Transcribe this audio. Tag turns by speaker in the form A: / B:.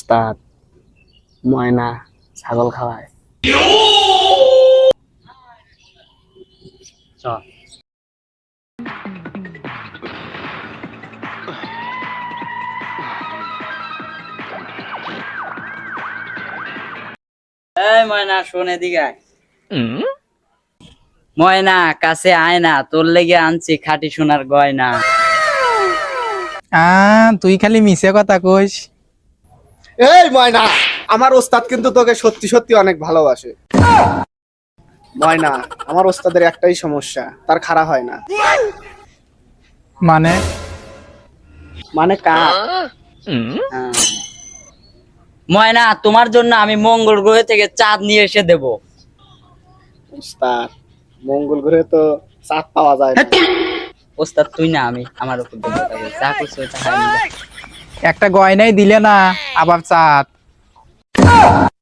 A: ওস্তাদ, ময়না ছাগল খাওয়ায়। চল। এই ময়না শোন এদিকে আয়। ময়না কাছে আয় না, তোর লেগে আনছি খাঁটি সোনার গয়না।
B: তুই খালি মিছে কথা কইস।
C: এই ময়না, আমার ওস্তাদ কিন্তু তোকে সত্যি সত্যি অনেক ভালোবাসে। ময়না, আমার ওস্তাদের একটাই সমস্যা, তার খাড়া হয় না।
B: মানে
A: মানে কার? হ্যাঁ। ময়না তোমার জন্য আমি মঙ্গল গ্রহ থেকে চাঁদ নিয়ে এসে দেব।
C: ওস্তাদ, মঙ্গল গ্রহে তো চাঁদ পাওয়া যায় না।
A: ওস্তাদ তুই না আমি, আমার উপর দিয়ে কথা বল। যা করছো এটা হয় না।
B: একটা গয়নাই দিলে না, আবার চাঁদ।